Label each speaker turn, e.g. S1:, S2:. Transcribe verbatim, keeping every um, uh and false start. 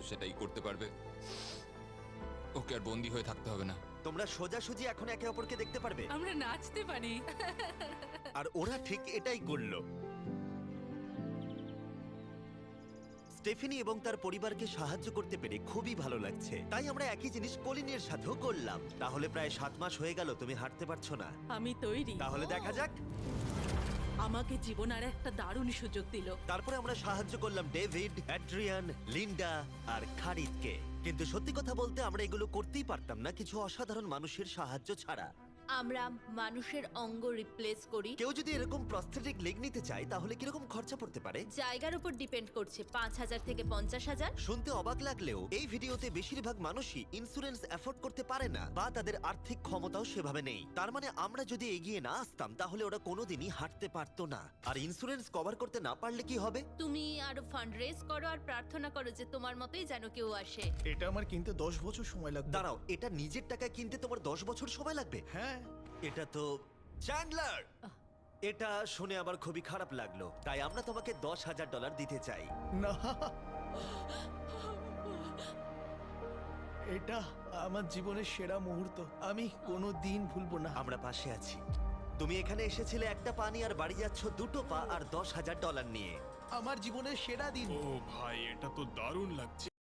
S1: সেটাই করতে পারবে। ওকে আর বন্দি হয়ে থাকতে হবে না।
S2: তোমরা সোজাসুজি এখন একে অপরকে দেখতে পারবে।
S3: আমরা নাচতে পারি।
S2: আর ওরা ঠিক এটাই করলো। স্টেফেনি এবং তার পরিবারকে সাহায্য করতে পেরে খুবই ভালো লাগছে। তাই আমরা একই জিনিস কলিনের সাথেও করলাম। তাহলে প্রায় সাত মাস হয়ে গেল তুমি হাঁটতে পারছো না।
S3: আমি তৈরি।
S2: তাহলে দেখা যাক।
S3: আমাকে জীবন আর একটা দারুণ সুযোগ দিল।
S2: তারপরে আমরা সাহায্য করলাম ডেভিড, অ্যাড্রিয়ান, লিন্ডা আর খারিদকে। কিন্তু সত্যি কথা বলতে আমরা এগুলো করতেই পারতাম না কিছু অসাধারণ মানুষের সাহায্য ছাড়া।
S4: আমরা মানুষের অঙ্গ রিপ্লেস করি।
S2: কেউ যদি এরকম প্রস্থেটিক লেগ নিতে চায় তাহলে কিরকম খরচা পড়তে পারে?
S4: জায়গার উপর ডিপেন্ড করছে, পাঁচ হাজার থেকে পঞ্চাশ হাজার।
S2: শুনতে অবাক লাগলেও এই ভিডিওতে বেশিরভাগ মানুষই ইন্স্যুরেন্স অ্যাফোর্ড করতে পারে না বা তাদের আর্থিক ক্ষমতাও সেভাবে নেই। তার মানে আমরা যদি এগিয়ে না আসতাম তাহলে ওরা কোনোদিনই হাঁটতে পারতো না। আর ইন্স্যুরেন্স কভার করতে না পারলে কি হবে?
S4: তুমি আরো ফান্ড রেজ করো আর প্রার্থনা করো যে তোমার মতোই যেন কেউ আসে।
S5: এটা আমার কিনতে দশ বছর সময় লাগবে।
S2: দাঁড়াও, এটা নিজের টাকায় কিনতে তোমার দশ বছর সময় লাগবে?
S5: হ্যাঁ।
S2: এটা তো চ্যান্ডলার, এটা শুনে আমার খুবই খারাপ লাগলো। তাই আমরা তোমাকে দশ হাজার ডলার দিতে চাই।
S5: না, এটা আমার জীবনের সেরা মুহূর্ত, আমি কোনো দিন ভুলবো না।
S2: আমরা পাশে আছি। তুমি এখানে এসেছিলে একটা পা নিয়ে আর বাড়ি যাচ্ছ দুটো পা আর দশ হাজার ডলার নিয়ে।
S5: আমার জীবনের সেরা দিন।
S6: ও ভাই, এটা তো দারুণ লাগছে।